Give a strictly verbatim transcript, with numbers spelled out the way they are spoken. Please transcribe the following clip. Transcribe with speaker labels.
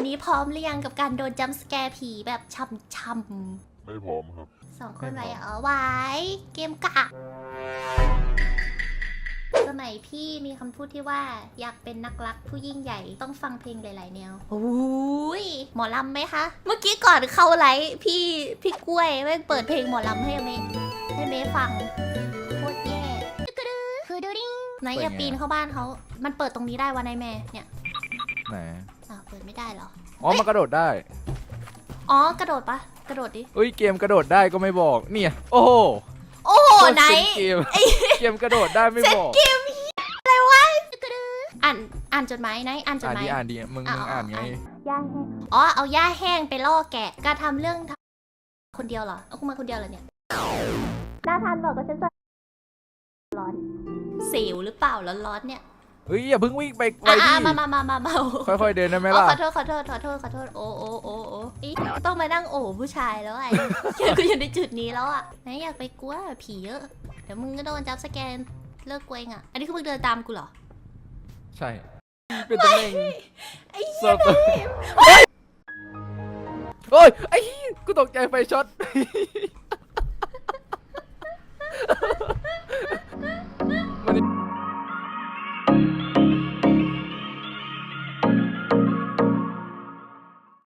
Speaker 1: นี้พร้อมหรือยังกับการโดนจัมป์สแกร์ผีแบบช่ำๆ
Speaker 2: ไม่พร้อมครับ
Speaker 1: สองคนไหวเหรอไหวเกมกะสมัยพี่มีคำพูดที่ว่าอยากเป็นนักรักผู้ยิ่งใหญ่ต้องฟังเพลงหลายๆแนวโอ้ยหมอลำไหมคะ เมื่อกี้ก่อนเข้าไลฟ์พี่พี่กล้วยแม่งเปิดเพลงหมอลำให้เมย์ให้เมย์ฟังโคตรแย่ไหนอย่าปีนเข้าบ้านเขามันเปิดตรงนี้ได้วะนายแม่เนี่ย
Speaker 3: ไหน
Speaker 1: อ้าวเปิดไม่ได้เหรอ
Speaker 3: อ๋อมันกระโดดได้
Speaker 1: อ๋อกระโดดปะกระโดดดิ
Speaker 3: เอ้ยเกมกระโดดได้ก็ไม่บอกเนี่ยโอ้โห
Speaker 1: โอ้โหไหน
Speaker 3: เกมเกมกระโดดได้ไม่บอก
Speaker 1: เกมอะไรวะอ่านอ่านจดหมายไหนอ่านจด
Speaker 3: อ่าน
Speaker 1: หมาย
Speaker 3: ดีอ่านดีมึงมึงอ่านไง
Speaker 1: ย่าแห้งอ๋อเอาย่าแห้งไปล่อแกะการทำเรื่องคนเดียวเหรอเอาคุณมาคนเดียวเหรอเนี่ยน่าทานบอกกับฉันจะร้อนสิวหรือเปล่าร้อนๆเนี่ย
Speaker 3: เฮ้ยอย่าเพิ่งวิ่งไปไว
Speaker 1: อ่ะ
Speaker 3: ดิ
Speaker 1: มามามามามา
Speaker 3: ค่อยๆเดินได้ไหม
Speaker 1: อ๋อ
Speaker 3: ล่ะ
Speaker 1: ขอโทษขอโทษขอโทษขอโทษโอ้โอ้โอ้โอ้อีต้องมานั่งโอ้ผู้ชายแล้วไอ้กูอยู่ในจุดนี้แล้วอ่ะไหนอยากไปกลัวผีเยอะเดี๋ยวมึงก็โดนจับสแกนเลิกกลัวเองอ่ะอันนี้คือมึงเดินตามกูเหรอ
Speaker 3: ใช่เป็นตำแหน่ง
Speaker 1: ไอ้
Speaker 3: เสิร์ฟโอ้ยไอ้กูตกใจไฟช็อต